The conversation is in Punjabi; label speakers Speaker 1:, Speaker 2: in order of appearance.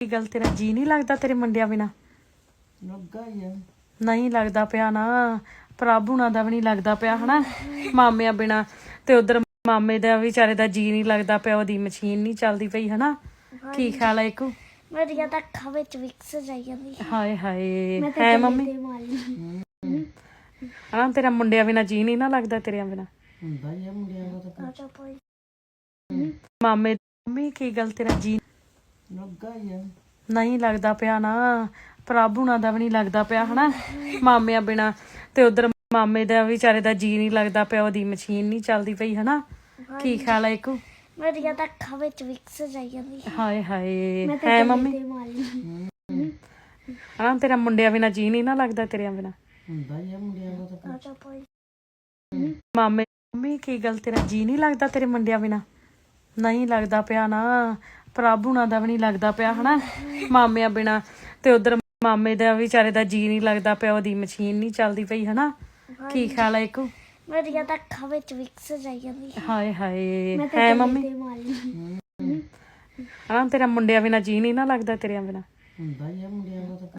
Speaker 1: ਕੀ ਗੱਲ ਤੇਰਾ ਜੀ ਨਹੀਂ ਲੱਗਦਾ ਤੇਰੇ ਮੁੰਡਿਆਂ ਬਿਨਾ?
Speaker 2: ਲੱਗਾ ਹੀ ਆ।
Speaker 1: ਨਹੀਂ ਲੱਗਦਾ ਪਿਆ ਨਾ, ਪ੍ਰਭ ਹੁਣਾਂ ਦਾ ਵੀ ਨਹੀਂ ਲੱਗਦਾ ਪਿਆ ਹਨਾ, ਮਾਮਿਆਂ ਬਿਨਾ। ਤੇ ਉਧਰ ਮਾਮੇ ਦਾ ਵਿਚਾਰੇ ਦਾ ਜੀ ਨਹੀਂ ਲੱਗਦਾ ਪਿਆ, ਉਹਦੀ ਮਸ਼ੀਨ ਨਹੀਂ ਚੱਲਦੀ ਪਈ ਹਨਾ। ਕੀ ਖਿਆਲ ਹੈ ਇੱਕੋ?
Speaker 3: ਮੇਰੀਆਂ ਤਾਂ ਅੱਖਾਂ ਵਿੱਚ ਵਿਕਸ ਜਾਈ ਜਾਂਦੀ।
Speaker 1: ਹਾਏ ਹਾਏ ਹੈ ਮੰਮੀ ਹਾਂ, ਤੇਰਾ ਮੁੰਡਿਆਂ ਬਿਨਾ ਜੀ ਨਹੀਂ ਨਾ ਲੱਗਦਾ ਤੇਰਿਆਂ ਬਿਨਾ?
Speaker 2: ਹੁੰਦਾ ਹੀ ਆ ਮੁੰਡਿਆਂ ਦਾ ਤਾਂ।
Speaker 3: ਆਜਾ ਭਾਈ
Speaker 1: ਮਾਮੇ ਮੰਮੀ ਕੀ ਗੱਲ ਤੇਰਾ ਜੀ
Speaker 2: ਲੱਗਾ ਹੀ ਆ।
Speaker 1: ਨਹੀਂ ਲੱਗਦਾ ਪਿਆ ਨਾ, ਪ੍ਰਭ ਹੁਣਾਂ ਦਾ ਵੀ ਨਹੀਂ ਲੱਗਦਾ ਪਿਆ ਹਨਾ, ਮਾਮਿਆਂ ਬਿਨਾ। ਤੇ ਉਧਰ ਮਾਮੇ ਦਾ ਵਿਚਾਰੇ ਦਾ ਜੀ ਨਹੀਂ ਲੱਗਦਾ ਪਿਆ, ਉਹਦੀ ਮਸ਼ੀਨ ਨਹੀਂ ਚੱਲਦੀ ਪਈ ਹਨਾ। ਕੀ ਖਿਆਲ ਹੈ ਇੱਕੋ?
Speaker 3: ਮੇਰੀਆਂ ਤਾਂ ਅੱਖਾਂ ਵਿੱਚ ਵਿਕਸ ਜਾਈ ਜਾਂਦੀ।
Speaker 1: ਹਾਏ ਹਾਏ ਹੈ ਮੰਮੀ ਹਾਂ, ਤੇਰਾ ਮੁੰਡਿਆਂ ਬਿਨਾ ਜੀ ਨਹੀਂ ਨਾ ਲੱਗਦਾ ਤੇਰਿਆਂ ਬਿਨਾ?
Speaker 2: ਹੁੰਦਾ ਹੀ ਆ ਮੁੰਡਿਆਂ ਦਾ ਤਾਂ।
Speaker 3: ਆਜਾ ਭਾਈ
Speaker 1: ਮਾਮੇ ਮੰਮੀ ਕੀ ਗੱਲ ਤੇਰਾ ਜੀ ਨਹੀਂ ਲੱਗਦਾ ਤੇਰੇ ਮੁੰਡਿਆਂ ਬਿਨਾ? ਨਹੀਂ ਲੱਗਦਾ ਪਿਆ ਨਾ, ਪ੍ਰਭ ਹੁਣਾਂ ਦਾ ਵੀ ਨਹੀਂ ਲੱਗਦਾ ਪਿਆ ਹਨਾ, ਮਾਮਿਆਂ ਬਿਨਾ। ਤੇ ਉਧਰ ਮਾਮੇ ਦਾ ਵਿਚਾਰੇ ਦਾ ਜੀ ਨਹੀਂ ਲੱਗਦਾ ਪਿਆ, ਉਹਦੀ ਮਸ਼ੀਨ ਨਹੀਂ ਚੱਲਦੀ ਪਈ ਹਨਾ। ਕੀ ਖਿਆਲ ਹੈ ਇੱਕੋ?
Speaker 3: ਮੇਰੀਆਂ ਤਾਂ ਅੱਖਾਂ ਵਿੱਚ ਵਿਕਸ ਜਾਈ ਜਾਂਦੀ।
Speaker 1: ਹਾਏ ਹਾਏ ਹੈ ਮੰਮੀ ਹਾਂ, ਤੇਰਾ ਮੁੰਡਿਆਂ ਬਿਨਾ ਜੀ ਨਹੀਂ ਨਾ ਲੱਗਦਾ ਤੇਰਿਆਂ ਬਿਨਾ?
Speaker 2: ਹੁੰਦਾ ਹੀ ਆ ਮੁੰਡਿਆਂ ਦਾ ਤਾਂ।